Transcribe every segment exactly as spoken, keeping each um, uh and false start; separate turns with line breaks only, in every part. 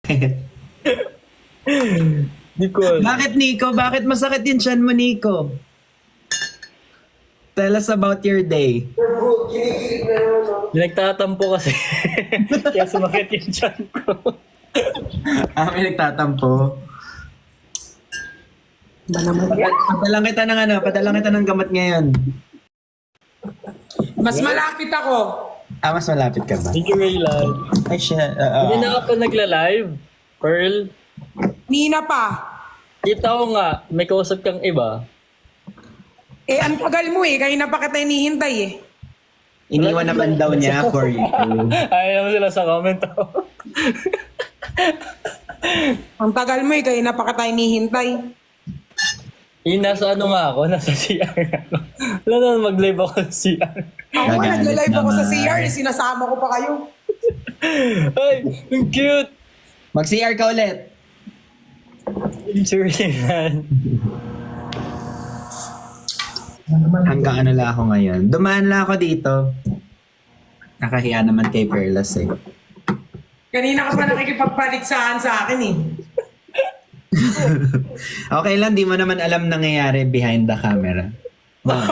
Di ko alam.
Bakit, Nico? Bakit masakit yung tiyan mo, Nico? Tell us about your day.
Nagtatampo kasi. Kaya sumakit yung tiyan ko.
Ah, may nagtatampo.
Ba naman yan?
Padalang kita ng ano, padalang kita ng gamot ngayon.
Mas malapit ako.
Ah, mas malapit ka ba?
Thank you, Raylan.
Ay, siya. Uh,
Hindi na ako nagla-live. Pearl,
Nina pa.
kita ko nga, may kausap kang iba.
Eh, ang tagal mo eh. Kanina pa kita hinihintay eh.
iniwan naman daw niya for you.
Ayaw naman sila sa comment ako.
Ang tagal mo eh. Kanina pa kita hinihintay.
Yung nasa ano nga ako, nasa C R ako. Wala naman mag-live ako sa C R.
Ako nga,
Gagalit
nagla-live ako sa
naman.
C R. eh. Sinasama ko pa kayo.
Ay, ang cute!
Mag-C R ka ulit.
Thank you, Raylan.
Hanggang ano lang ako ngayon. Dumaan lang ako dito. Nakahiya naman kay Perlas eh.
Kanina ka pa nakikipagpaligsahan sa akin eh.
Okay lang, di mo naman alam nangyayari behind the camera. Wow.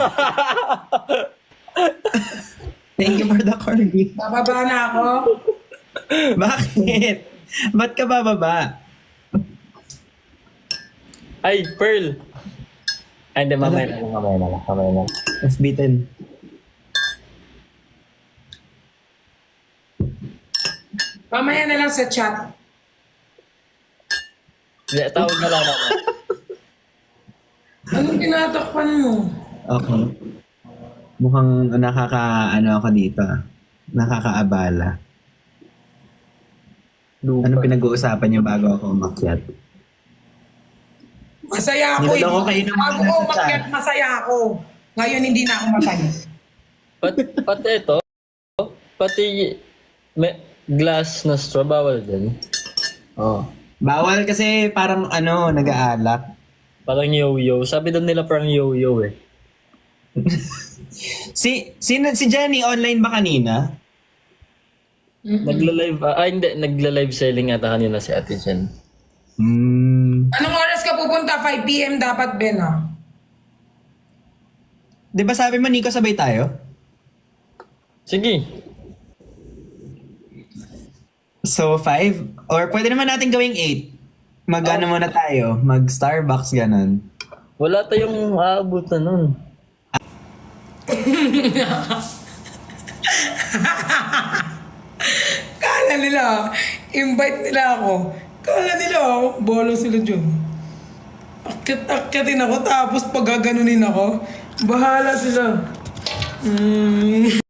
Thank you for the corgi.
Bababa na ako.
Bakit? Ba't ka bababa?
Ay, Pearl! Ay, hindi, mamaya na lang, mamaya na lang, mamaya na lang.
F B ten.
Mamaya na lang sa chat.
Hindi, tawag na lang ako.
Anong tinatakpan mo?
Okay. Mukhang nakaka, ano ako dito ah. Nakakaabala. Anong pinag-uusapan niyo bago ako umakyat?
Masaya ako eh.
Niloloko kayo ng mga
Bago ko
nasa
umakyat,
chat.
masaya ako. Ngayon hindi na ako masaya.
Pat, pati ito, pati may glass na straw, bawal din. Oh.
Bawal kasi parang ano, nag-aalak.
Parang yo-yo. Sabi doon nila parang yo-yo eh.
Si, si, si Jenny, online ba kanina?
Nagla-live, ah, ah, hindi, nagla-live selling ata kanina si Ate Jen.
Hmm.
Anong oras ka pupunta? five p.m. dapat, Ben, ah.
Di ba sabi mo, Nico, sabay tayo?
Sige.
So, five? Or pwede naman natin gawing eight. Mag-ano muna tayo? Mag-Starbucks, ganun.
Wala tayong aabutan nun.
Kala nila, invite nila ako. Kala nila, oh, bolo sila dyan. Akit-akyatin ako, tapos pagaganunin ako, bahala sila. Mm.